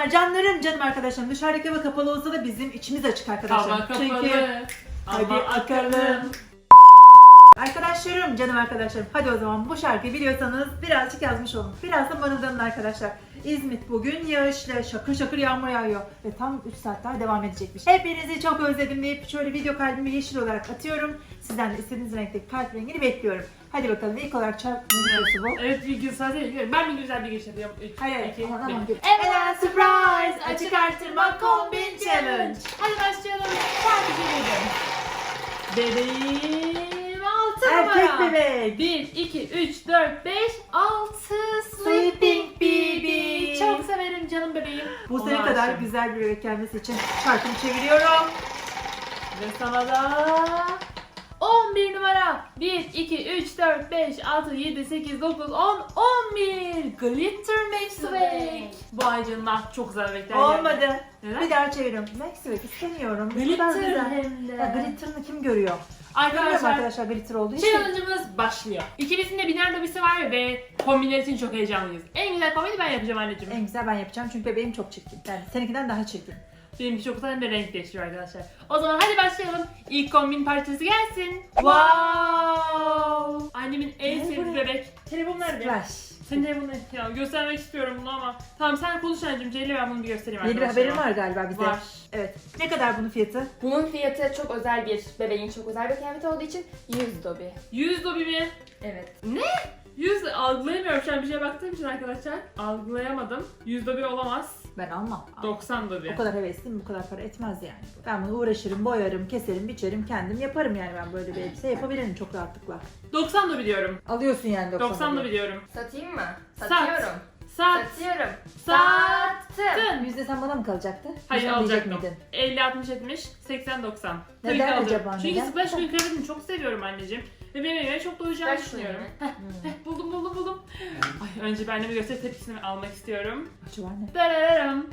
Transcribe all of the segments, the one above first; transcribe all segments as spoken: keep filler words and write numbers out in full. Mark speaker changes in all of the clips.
Speaker 1: Canlar canlarım canım arkadaşlarım. Dışarıdaki hava kapalı olsa da bizim içimiz açık arkadaşlar.
Speaker 2: Hava kapalı.
Speaker 1: Çünkü hadi
Speaker 2: Ama
Speaker 1: akalım. Arkadaşlarım canım arkadaşlarım. Hadi o zaman bu şarkıyı biliyorsanız birazcık yazmış olun. Biraz da mırıldanın arkadaşlar. İzmit bugün yağışlı, şakır şakır yağmur yağıyor ve tam üç saat daha devam edecekmiş. Hepinizi çok özledim deyip şöyle video kalbimi yeşil olarak atıyorum. Sizden de istediğiniz renkteki kalp rengini bekliyorum. Hadi bakalım ilk olarak çarp ne videosu bu?
Speaker 2: Evet bir gün sadece ben bir güzel bir giriş yapıyorum. üç,
Speaker 1: Hayır,
Speaker 2: iki,
Speaker 1: aman,
Speaker 2: bir.
Speaker 1: aman, gel.
Speaker 2: Ela Surprise açık arttırma kombin challenge. Hadi başlayalım. Sadece dedim. Bebeğim altı
Speaker 1: Erkek
Speaker 2: numara.
Speaker 1: bebek.
Speaker 2: bir, iki, üç, dört, beş, altı Sleeping Baby. Çok severim canım bebeğim.
Speaker 1: Bu
Speaker 2: Ona
Speaker 1: sene kadar
Speaker 2: aşığım.
Speaker 1: güzel bir bebek gelmesi için şarkımı çeviriyorum.
Speaker 2: Ve sana da on bir numara. bir, iki, üç, dört, beş, altı, yedi, sekiz, dokuz, on, on bir Glitter Maxwell. Bu ay canına çok güzel bebekler geldi.
Speaker 1: Olmadı.
Speaker 2: Neden?
Speaker 1: Bir daha çeviriyorum. Maxwell istemiyorum. Bu kadar
Speaker 2: Glitter
Speaker 1: güzel.
Speaker 2: hem de.
Speaker 1: Ya glitter'ını kim görüyor? Görmüyorum
Speaker 2: Arkadaşlar
Speaker 1: arkadaşlar glitter olduğu için.
Speaker 2: challenge'ımız başlıyor. İkimizin de biner lobisi var ve kombinler için çok heyecanlıyız. En güzel kombini ben yapacağım anneciğim.
Speaker 1: En güzel ben yapacağım çünkü bebeğim çok çirkin. Yani seninkinden daha çirkin.
Speaker 2: Benimki çok güzel hem de renk değiştiriyor arkadaşlar. O zaman hadi başlayalım. İlk kombin parçası gelsin. Wow! Annemin en
Speaker 1: Ne
Speaker 2: sevdiği
Speaker 1: bu?
Speaker 2: bebek. Telefon nerede?
Speaker 1: Splash.
Speaker 2: Senin telefonun nerede? Ya göstermek istiyorum bunu ama. Tamam sen konuş anneciğim. Ceyle ben bunu bir göstereyim
Speaker 1: Yeni bir
Speaker 2: arkadaşlar.
Speaker 1: haberin var galiba bize.
Speaker 2: Var.
Speaker 1: Evet. Ne kadar bunun fiyatı?
Speaker 3: Bunun fiyatı çok özel bir bebeğin çok özel bir kıyafeti olduğu için yüz dobi.
Speaker 2: yüz dobi mi?
Speaker 3: Evet.
Speaker 2: yüz algılayamıyorum şu an bir şeye baktığım için arkadaşlar. Algılayamadım. yüz dobi olamaz.
Speaker 1: Ben almam.
Speaker 2: doksan
Speaker 1: O
Speaker 2: dobi.
Speaker 1: kadar hevesliyim, bu kadar para etmez yani. Ben bunu uğraşırım, boyarım, keserim, biçerim, kendim yaparım yani ben böyle bir elbise yapabilirim çok rahatlıkla.
Speaker 2: doksan dobi diyorum.
Speaker 1: Alıyorsun yani doksan.
Speaker 2: doksan
Speaker 1: dobi.
Speaker 2: dobi diyorum.
Speaker 3: Satayım mı?
Speaker 2: Sat.
Speaker 3: Satıyorum.
Speaker 2: Sat.
Speaker 3: Satıyorum.
Speaker 2: Sattın.
Speaker 3: Sattım.
Speaker 1: Yüzde sen bana mı kalacaktı?
Speaker 2: Hayır
Speaker 1: Sen diyecek
Speaker 2: alacaktım.
Speaker 1: miydin?
Speaker 2: elli, altmış, yetmiş, seksen, doksan. Tabii
Speaker 1: Neden
Speaker 2: ki alacağım.
Speaker 1: acaba,
Speaker 2: Çünkü
Speaker 1: neden?
Speaker 2: splash screen kıyafetini çok seviyorum anneciğim. Ve benim evime çok doyacağını
Speaker 3: Ver şunu
Speaker 2: düşünüyorum.
Speaker 3: yine.
Speaker 2: Heh, heh, buldum buldum buldum. Ay, önce ben anneme gösterip tepkisini almak istiyorum.
Speaker 1: Acı var ne?
Speaker 2: Darararam.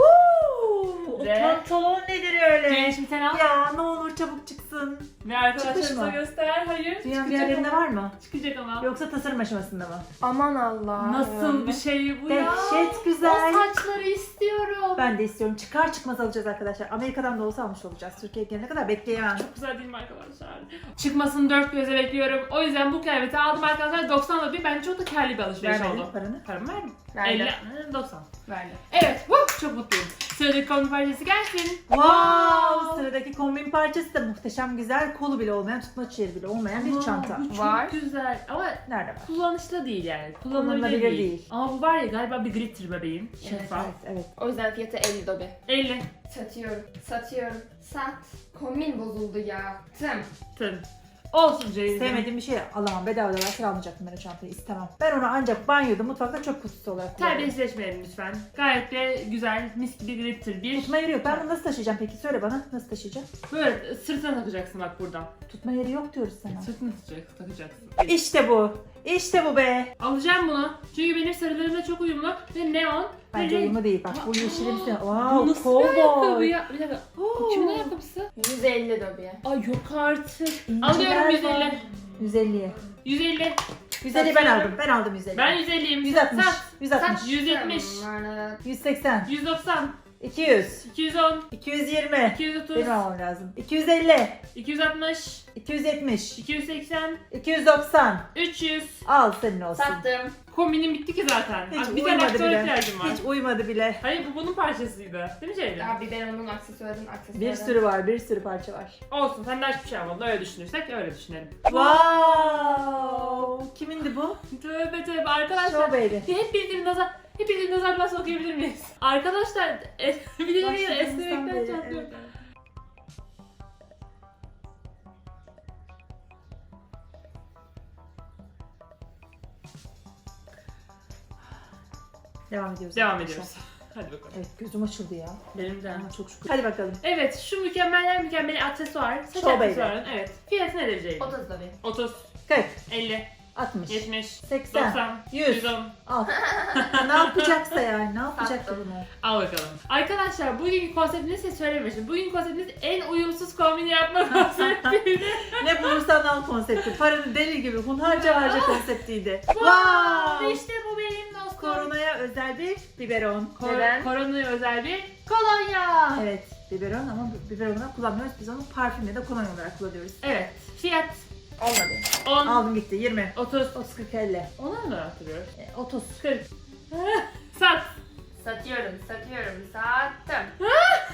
Speaker 1: Woo! O
Speaker 2: Ve-
Speaker 1: pantolon nedir öyle?
Speaker 2: Ceylin şimdi sen al.
Speaker 1: Ya ne olur çabuk çıksın.
Speaker 2: Ve arkadaşlarımıza
Speaker 1: Çıkmış mı?
Speaker 2: göster. Hayır.
Speaker 1: Dünyanın bir
Speaker 2: çıkacak
Speaker 1: yerlerinde
Speaker 2: ama.
Speaker 1: var mı?
Speaker 2: Çıkacak ama.
Speaker 1: Yoksa tasarım aşamasında mı?
Speaker 3: Aman Allah.
Speaker 2: Nasıl bir şey bu ya?
Speaker 1: Dehşet güzel.
Speaker 2: O saçları istiyorum.
Speaker 1: Ben de istiyorum. Çıkar çıkmaz alacağız arkadaşlar. Amerika'dan da olsa almış olacağız. Türkiye'ye gelene kadar bekleyemem.
Speaker 2: Çok güzel değil mi arkadaşlar? Çıkmasını dört göze bekliyorum. O yüzden bu kıyafeti aldım arkadaşlar. doksan dobi. Bence çok da karlı bir alışveriş
Speaker 1: Vermedin
Speaker 2: oldu.
Speaker 1: paranı.
Speaker 2: Paramı verdim.
Speaker 3: Verdim.
Speaker 2: elli, hı, doksan.
Speaker 3: Verdim.
Speaker 2: Evet, woo, çok mutluyum. Sıradaki kombin parçası gelsin.
Speaker 1: Wow! Sıradaki kombin parçası da muhteşem güzel. Kolu bile olmayan, tutmaç yeri bile olmayan bir
Speaker 2: Aa,
Speaker 1: çanta.
Speaker 2: Bu çok
Speaker 3: Var.
Speaker 2: güzel ama
Speaker 1: Nerede var?
Speaker 2: kullanışlı değil yani. Kullanılabilir
Speaker 1: Kullanılabilir
Speaker 2: değil.
Speaker 1: değil.
Speaker 2: Ama bu var ya galiba bir glitter bebeğim.
Speaker 3: Evet,
Speaker 2: Şeffaf.
Speaker 1: Evet, evet.
Speaker 3: O yüzden fiyatı elli dobi.
Speaker 2: elli.
Speaker 3: Satıyorum. Satıyorum. Sat. Kombin bozuldu ya. Tım.
Speaker 2: Tın. Olsun Ceylin.
Speaker 1: Sevmediğim bir şey alamam. Bedava da versen almayacaktım ben o çantayı. İstemem. Ben onu ancak banyoda, mutfakta çöp kutusu olarak kullanıyorum.
Speaker 2: Terbiyesizleşmeyelim lütfen. Gayet de güzel, mis gibi glitter bir.
Speaker 1: Tutma yeri yok. Ben bunu nasıl taşıyacağım peki? Söyle bana. Nasıl taşıyacağım?
Speaker 2: Böyle sırtına takacaksın bak buradan.
Speaker 1: Tutma yeri yok diyoruz sana.
Speaker 2: Sırtına takacaksın. takacaksın.
Speaker 1: İşte bu. İşte bu be.
Speaker 2: Alacağım bunu. Çünkü benim sarılarımla çok uyumlu ve neon.
Speaker 1: Bence
Speaker 2: ve renk-
Speaker 1: uyumlu değil. Bak bu
Speaker 2: Aa,
Speaker 1: yeşilimsi.
Speaker 2: Bu
Speaker 1: Wow,
Speaker 2: nasıl bir ayakkabı
Speaker 1: cowboy.
Speaker 2: ya? Bir dakika. Bu kimin ayakkabısı?
Speaker 3: yüz elli dobi.
Speaker 2: Ay yok artık.
Speaker 1: İnciler
Speaker 2: Alıyorum yüz
Speaker 1: var.
Speaker 2: elli.
Speaker 1: yüz elliye.
Speaker 2: yüz elli.
Speaker 1: yüz elli ben
Speaker 2: Satıyorum.
Speaker 1: aldım. Ben aldım yüz elli.
Speaker 2: Ben yüz elliyim.
Speaker 1: yüz altmış.
Speaker 2: Sat.
Speaker 1: yüz altmış.
Speaker 2: yüz yetmiş.
Speaker 1: yüz seksen.
Speaker 2: yüz doksan.
Speaker 1: iki yüz.
Speaker 2: iki yüz on.
Speaker 1: iki yüz yirmi.
Speaker 2: iki yüz otuz.
Speaker 1: Benim almam lazım. iki yüz elli.
Speaker 2: iki yüz altmış.
Speaker 1: iki yüz yetmiş.
Speaker 2: iki yüz seksen.
Speaker 1: iki yüz doksan.
Speaker 2: üç yüz.
Speaker 1: Al senin olsun.
Speaker 3: Sattım.
Speaker 2: Kombinim bitti ki zaten.
Speaker 1: Hiç
Speaker 2: Abi bir tane
Speaker 1: uymadı
Speaker 2: aksesuar
Speaker 1: bile.
Speaker 2: ihtiyacım var.
Speaker 1: Hiç uymadı bile.
Speaker 2: Hayır bu bunun parçasıydı. Değil mi Ceylin?
Speaker 3: Abi ben onun aksesuarın aksesuarı.
Speaker 1: Bir sürü var, bir sürü parça var.
Speaker 2: Olsun sen de hiçbir şey almadın. Öyle düşünürsek öyle düşünelim.
Speaker 1: Wow! Kimindi bu?
Speaker 2: Tövbe tövbe arkadaşlar.
Speaker 1: Show baby.
Speaker 2: Hep birbirini nazar, hep birbirini nazardan sokabilir miyiz? Arkadaşlar, es, bir de bir
Speaker 1: Başladığımızdan
Speaker 2: esnemekten
Speaker 1: beri,
Speaker 2: çatlıyorum.
Speaker 1: evet. Devam ediyoruz.
Speaker 2: Devam
Speaker 1: arkadaşlar.
Speaker 2: ediyoruz. Hadi bakalım.
Speaker 1: Evet gözüm açıldı ya.
Speaker 2: Benim de.
Speaker 1: Ama çok şükür. Hadi bakalım.
Speaker 2: Evet, şu mükemmeller mükemmel aksesuar, saç
Speaker 1: Show baby.
Speaker 2: aksesuarın, evet. Fiyatı nedir Ceylin?
Speaker 3: otuz dobi.
Speaker 2: otuz,
Speaker 1: kırk,
Speaker 2: elli,
Speaker 1: altmış,
Speaker 2: yetmiş,
Speaker 1: seksen,
Speaker 2: doksan,
Speaker 1: yüz.
Speaker 2: yüz on.
Speaker 1: al. Ne yapacaksa yani, ne yapacak bunu?
Speaker 2: Al bakalım. Arkadaşlar bugünkü konseptini size söylemiştim. Bugünkü konseptimiz en uyumsuz kombini yapma konseptiydi.
Speaker 1: Ne bulursan al konsepti. Paranı deli gibi hunharca harca konseptiydi.
Speaker 2: Wow! İşte bu benim dost
Speaker 1: Koronaya özel bir biberon.
Speaker 2: Kor-
Speaker 3: Neden?
Speaker 2: Koronaya özel bir kolonya.
Speaker 1: Evet, biberon ama bu biberon olarak kullanmıyoruz. Biz onu parfümle de kolonya olarak kullanıyoruz.
Speaker 2: Evet. Fiyat
Speaker 3: Olmadı.
Speaker 2: on,
Speaker 1: Aldım gitti. yirmi.
Speaker 2: otuz.
Speaker 1: otuz, kırk, elli.
Speaker 2: Ona mı hatırlıyoruz?
Speaker 1: E, otuz.
Speaker 2: kırk. Sat.
Speaker 3: Satıyorum, satıyorum, sattım.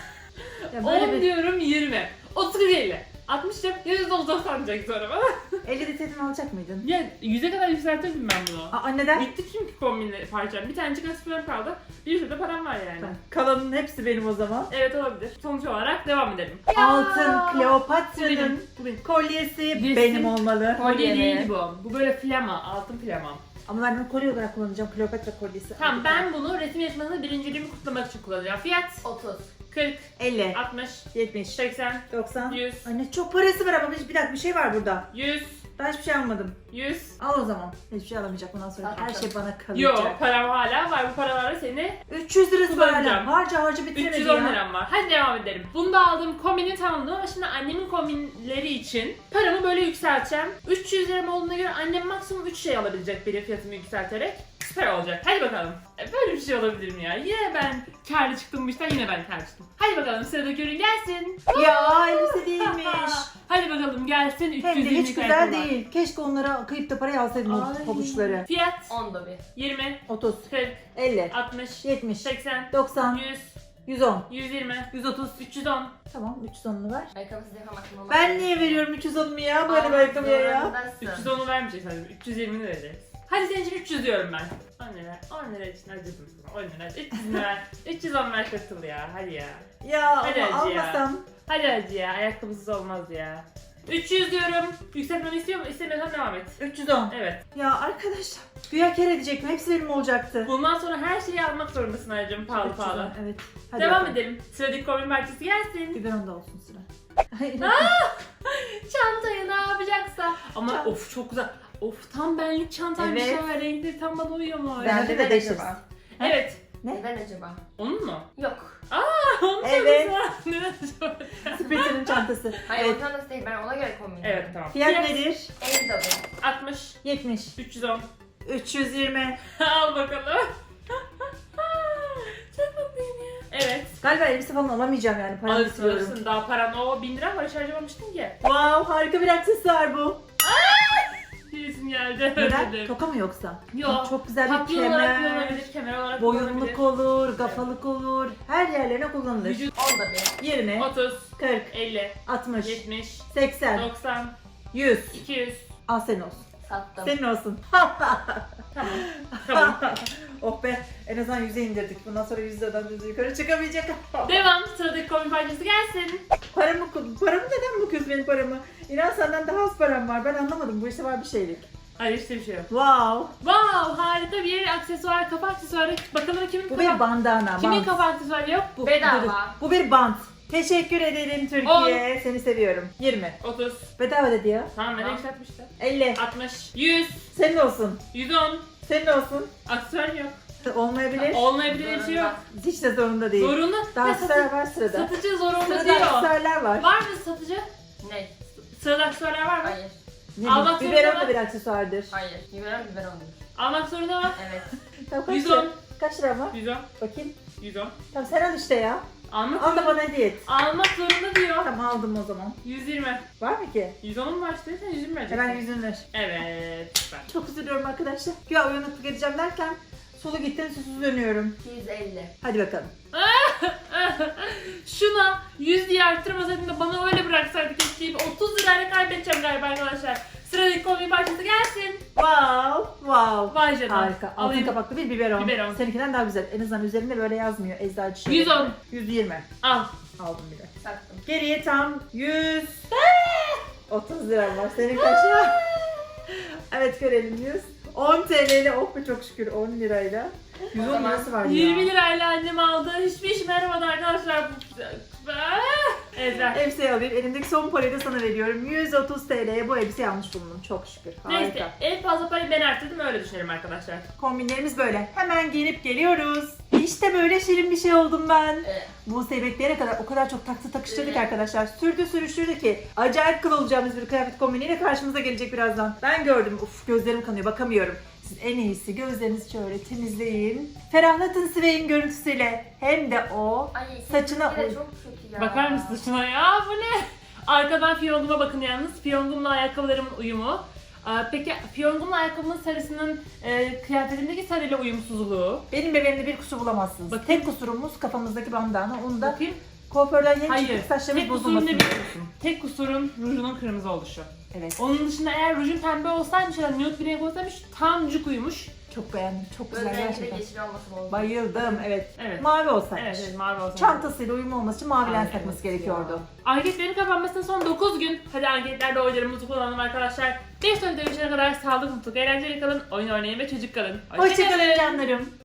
Speaker 1: Ya böyle
Speaker 2: on
Speaker 1: bir
Speaker 2: diyorum yirmi. otuz elli. altmış yap. yüz doksan sanacak sonra bana.
Speaker 1: elli litreden alacak mıydın?
Speaker 2: Ya yüze kadar yükseltirdim ben bunu.
Speaker 1: Aa, neden?
Speaker 2: Bitti çünkü kombinle parçam. Bir tanecik aspiron kaldı. Bir sürü de param var yani.
Speaker 1: Tamam. Kalanın hepsi benim o zaman.
Speaker 2: Evet olabilir. Sonuç olarak devam edelim.
Speaker 1: Altın
Speaker 2: Bu
Speaker 1: Kleopatra'nın
Speaker 2: benim. Bu benim.
Speaker 1: kolyesi
Speaker 2: Resim.
Speaker 1: benim olmalı.
Speaker 2: Kolye
Speaker 3: Kolye
Speaker 2: değil
Speaker 3: mi?
Speaker 2: bu. Bu böyle flama. Altın flama.
Speaker 1: Ama ben bunu kolye olarak kullanacağım. Kleopatra kolyesi.
Speaker 2: Tamam ben bunu resim yarışmasında birinciliğimi kutlamak için kullanacağım. Fiyat
Speaker 3: otuz.
Speaker 2: kırk,
Speaker 1: elli,
Speaker 2: altmış,
Speaker 1: yetmiş,
Speaker 2: seksen,
Speaker 1: doksan.
Speaker 2: yüz,
Speaker 1: Anne çok parası var ama bir bir dakika bir şey var burada.
Speaker 2: yüz,
Speaker 1: Ben hiçbir şey almadım.
Speaker 2: yüz.
Speaker 1: Al o zaman. Hiçbir şey alamayacak bundan sonra.
Speaker 3: Tamam,
Speaker 1: Her şey bana
Speaker 2: Yo
Speaker 1: kalacak.
Speaker 2: param hala var. Bu paralarla seni
Speaker 1: üç yüz lirası var
Speaker 2: Kullanacağım.
Speaker 1: hala. Harca harca bitiremedi
Speaker 2: üç yüz on
Speaker 1: ya.
Speaker 2: liram var. Hadi devam edelim. Bunda aldığım kombini tamamladım ama şimdi annemin kombinleri için paramı böyle yükselteceğim. üç yüz liram olduğuna göre annem maksimum üç şey alabilecek benim fiyatımı yükselterek. Süper olacak. Hadi bakalım. E, Böyle bir şey olabilir mi ya? Yine ben kârlı çıktım bu işten, yine ben kârlı çıktım. Hadi bakalım sıradaki ürün gelsin.
Speaker 1: Ya elbise değilmiş.
Speaker 2: Hadi bakalım gelsin. üç
Speaker 1: Hem
Speaker 2: yüz
Speaker 1: de
Speaker 2: yirmi
Speaker 1: hiç güzel
Speaker 2: kalem var.
Speaker 1: değil. Keşke onlara kıyıp da parayı alsaydım o
Speaker 2: Ay.
Speaker 1: pabuçları.
Speaker 2: Fiyat
Speaker 3: Onda bir.
Speaker 2: yirmi,
Speaker 1: otuz,
Speaker 2: kırk,
Speaker 1: elli,
Speaker 2: altmış,
Speaker 1: yetmiş,
Speaker 2: seksen,
Speaker 1: doksan,
Speaker 2: yüz,
Speaker 1: yüz on,
Speaker 2: yüz yirmi,
Speaker 1: yüz otuz.
Speaker 2: üç yüz on.
Speaker 1: Tamam üç yüz onunu ver.
Speaker 3: Ayakkabısız yapamadım ama.
Speaker 1: Ben niye veriyorum üç yüz onumu ya böyle bir
Speaker 3: Almak
Speaker 1: ayakkabıya ya?
Speaker 3: zorundasın.
Speaker 2: üç yüz onu vermeyecek sanırım. üç yüz yirmini vereceğiz. Hadi senin için üç yüz diyorum ben. on lira. on lira için acıdım sana. on lira. üç yüz lira. üç yüz on ver katıl ya. Hadi ya.
Speaker 1: Ya
Speaker 2: Hadi
Speaker 1: ama
Speaker 2: hacı ya.
Speaker 1: almasam.
Speaker 2: Hadi hacı ya. Ayakkabısız olmaz ya. üç yüz diyorum. Yükseltmemi istiyor musun? İstemiyorsan devam et.
Speaker 1: üç yüz on.
Speaker 2: Evet.
Speaker 1: Ya arkadaşlar güya kar edecektim. Hepsi benim olacaktı.
Speaker 2: Bundan sonra her şeyi almak zorundasın Ayacığım. Pahalı
Speaker 1: üç yüz on,
Speaker 2: pahalı.
Speaker 1: Evet. Hadi
Speaker 2: Devam
Speaker 1: bakalım.
Speaker 2: edelim. Sıradaki kombin parçası gelsin.
Speaker 1: Biberon da olsun sıra.
Speaker 2: Çantayı ne yapacaksa. Ama
Speaker 1: Çanta.
Speaker 2: of çok güzel. Of tam benlik çantaymış
Speaker 1: Evet.
Speaker 2: ha. Renkleri tam bana uyuyor mu?
Speaker 1: Ben- Bende de
Speaker 3: Neden
Speaker 1: değişiriz.
Speaker 3: acaba?
Speaker 2: Evet.
Speaker 1: Ne?
Speaker 3: Neden acaba?
Speaker 2: Onun mu?
Speaker 3: Yok.
Speaker 2: Onu
Speaker 1: Evet.
Speaker 2: söylesene. Neden acaba?
Speaker 1: Spritter'ın çantası.
Speaker 3: Hayır
Speaker 1: Evet.
Speaker 3: o çantası değil, ben ona göre kombin
Speaker 2: Evet
Speaker 3: yapıyorum.
Speaker 2: tamam.
Speaker 1: Fiyat nedir?
Speaker 3: elli dolar.
Speaker 2: altmış,
Speaker 1: yetmiş,
Speaker 2: üç yüz on.
Speaker 1: üç yüz yirmi.
Speaker 2: Al bakalım. Çok mutluyum ya. Evet.
Speaker 1: Galiba elbise falan alamayacağım yani. Paramı
Speaker 2: Alırsın
Speaker 1: istiyorum.
Speaker 2: alırsın. Daha paran o bin lira var. Hiç harcamamıştın ki.
Speaker 1: Wow harika bir aksesuar bu.
Speaker 2: Birisin geldi.
Speaker 1: Neden?
Speaker 2: Dedim.
Speaker 1: Toka mı yoksa?
Speaker 2: Yok.
Speaker 1: Çok güzel bir
Speaker 2: Tatlı olarak
Speaker 1: kemer.
Speaker 2: kullanılabilir. Kemer olarak
Speaker 1: Boyunluk
Speaker 2: kullanılabilir.
Speaker 1: olur, gafalık olur. Her yerlerine kullanılır.
Speaker 2: Vücut
Speaker 3: Onda bir.
Speaker 1: yirmi,
Speaker 2: otuz,
Speaker 1: kırk,
Speaker 2: elli,
Speaker 1: altmış,
Speaker 2: yetmiş,
Speaker 1: seksen,
Speaker 2: doksan,
Speaker 1: yüz.
Speaker 2: iki yüz.
Speaker 1: Al senin olsun.
Speaker 3: Sattım.
Speaker 1: Senin olsun.
Speaker 2: Tamam. Tamam.
Speaker 1: Oh be en azından yüze indirdik. Bundan sonra yüz liradan düz yukarı çıkamayacak.
Speaker 2: Devam. Sıradaki kombin parçası gelsin.
Speaker 1: Paramı, paramı neden bakıyorsun benim paramı? İnan senden daha az param var. Ben anlamadım. Bu işte var bir şeylik.
Speaker 2: Hayır işte bir şey yok.
Speaker 1: Wow.
Speaker 2: Wow, harika bir aksesuar, kafa aksesuarı. Bakalım kimin
Speaker 1: Bu
Speaker 2: kafa...
Speaker 1: bir bandana.
Speaker 2: Kimin
Speaker 1: bant.
Speaker 2: kafa aksesuarı yok?
Speaker 1: Bu,
Speaker 3: Bedava.
Speaker 1: dur, dur. Bu bir bant. Teşekkür ederim Türkiye. Seni seviyorum. yirmi.
Speaker 2: otuz.
Speaker 1: Bedava dedi ya.
Speaker 2: Tamam, ben de
Speaker 3: Tamam.
Speaker 2: yükseltmiştim.
Speaker 1: elli.
Speaker 2: altmış. yüz.
Speaker 1: Senin olsun.
Speaker 2: yüz on.
Speaker 1: Senin olsun.
Speaker 2: Aksesuar yok.
Speaker 1: Olmayabilir.
Speaker 2: Olmayabilir bir şey yok.
Speaker 1: Hiç de zorunda değil.
Speaker 2: Zorunlu.
Speaker 1: Daha
Speaker 2: Ve
Speaker 1: aksesuar
Speaker 2: satı-
Speaker 1: var sırada.
Speaker 2: Satıcı zorunlu
Speaker 1: Sırada
Speaker 2: diyor.
Speaker 1: aksesuarlar var.
Speaker 2: Var mı satıcı?
Speaker 3: Ne?
Speaker 2: Sırada aksesuarlar var mı?
Speaker 3: Hayır.
Speaker 1: Ne
Speaker 2: Almak
Speaker 1: bileyim, biberon
Speaker 2: zorunda
Speaker 1: da bir aksesuardır.
Speaker 3: Hayır. Biberon biberon değil.
Speaker 2: Almak zorunda mı?
Speaker 3: Evet.
Speaker 1: Tamam, kaç
Speaker 2: yüz
Speaker 1: lira?
Speaker 2: on.
Speaker 1: Kaç lira var?
Speaker 2: yüz on.
Speaker 1: Bakayım.
Speaker 2: yüz on.
Speaker 1: Tamam sen al işte ya.
Speaker 2: Almak
Speaker 1: Al da
Speaker 2: zorunda.
Speaker 1: bana hediye et.
Speaker 2: Almak zorunda diyor.
Speaker 1: Tamam aldım o zaman.
Speaker 2: yüz yirmi.
Speaker 1: Var mı ki?
Speaker 2: yüz on var işte. Sen yüz yirmi vereceksin.
Speaker 1: Hemen yüzünü ver.
Speaker 2: Evet. Süper.
Speaker 1: Çok üzülüyorum arkadaşlar. Ya uyanıklık edeceğim derken solu gittin susuz dönüyorum.
Speaker 3: iki yüz elli.
Speaker 1: Hadi bakalım.
Speaker 2: Şuna yüz diye arttırmasaydın da bana öyle bıraksaydı keşke. otuz lirayla kaybedeceğim galiba arkadaşlar. Sıradaki kombin parçası gelsin.
Speaker 1: Wow, wow.
Speaker 2: Vay canına.
Speaker 1: Harika. Altın
Speaker 2: Alayım.
Speaker 1: kapaklı bir biberon.
Speaker 2: Biberon.
Speaker 1: Seninkinden daha güzel. En azından üzerinde böyle yazmıyor. Eczacı şöyle.
Speaker 2: yüz on.
Speaker 1: yüz yirmi.
Speaker 2: Al.
Speaker 1: Aldım bile.
Speaker 3: Sattım.
Speaker 1: Geriye tam yüz otuz lira var. Senin kaç lira? Evet görelim yüz. on T L'yle oh be çok şükür on lirayla. yüz
Speaker 3: O
Speaker 1: on
Speaker 3: zaman
Speaker 1: lirası var ya.
Speaker 2: yirmi lirayla annem aldı. Hiçbir işime yaramadı arkadaşlar. Ezra.
Speaker 1: Elbiseyi alayım. Elimdeki son parayı da sana veriyorum. yüz otuz T L'ye bu elbiseyi almış bulundum. Çok şükür. Harika.
Speaker 2: Neyse en fazla parayı ben arttırdım öyle düşünelim arkadaşlar.
Speaker 1: Kombinlerimiz böyle. Hemen giyinip geliyoruz. İşte böyle şirin bir şey oldum ben.
Speaker 2: Evet.
Speaker 1: Buse'yi bekleyene kadar o kadar çok taktı takıştırdık
Speaker 2: Evet.
Speaker 1: arkadaşlar. Sürdü sürüştürdü ki acayip kıl olacağımız bir kıyafet kombiniyle karşımıza gelecek birazdan. Ben gördüm. Uf, gözlerim kanıyor, bakamıyorum. Siz en iyisi gözlerinizi şöyle temizleyin. Ferahlatın Svey'in görüntüsüyle. Hem de o
Speaker 3: Ay
Speaker 1: saçına
Speaker 3: seninki de
Speaker 1: uy.
Speaker 3: çok kötü ya.
Speaker 2: Bakar mısın şuna ya? Bu ne? Arkadan fiyonguma bakın yalnız. Fiyongumla ayakkabılarımın uyumu. Aa, peki fiyongumla ayakkabımın sarısının e, kıyafetimdeki sarıyla uyumsuzluğu.
Speaker 1: Benim bebeğimde bir kusur bulamazsınız.
Speaker 2: Bakın.
Speaker 1: Tek kusurumuz kafamızdaki bandana. Onu da
Speaker 2: Bakayım.
Speaker 1: kuaförden yeni
Speaker 2: Hayır.
Speaker 1: çıktık, saçlarımız
Speaker 2: Tek kusurum
Speaker 1: bozulmasın
Speaker 2: ne biliyor
Speaker 1: diyorsun.
Speaker 2: Tek kusurum rujunun kırmızı oluşu.
Speaker 1: Evet.
Speaker 2: Onun dışında eğer rujun pembe olsaymış ya da nude bir renk olsaymış tam cuk uyumuş.
Speaker 1: Çok beğendim. Çok güzel
Speaker 3: Gözlerinde
Speaker 1: gerçekten.
Speaker 3: yeşil olması oldu.
Speaker 1: Bayıldım. Evet.
Speaker 2: Evet.
Speaker 1: Mavi olsaymış.
Speaker 2: Evet, evet mavi olsaymış.
Speaker 1: Çantasıyla uyumlu olması için mavi
Speaker 2: Ay,
Speaker 1: lens takması
Speaker 2: evet
Speaker 1: gerekiyordu.
Speaker 2: Anketlerin kapanmasına son dokuz gün. Hadi anketlerde oylarımızı kullanalım arkadaşlar. Bir sonraki dönüşene kadar sağlıklı, mutlu, eğlenceli kalın, oyun oynayın ve çocuk kalın.
Speaker 1: Hoşçakalın canlarım.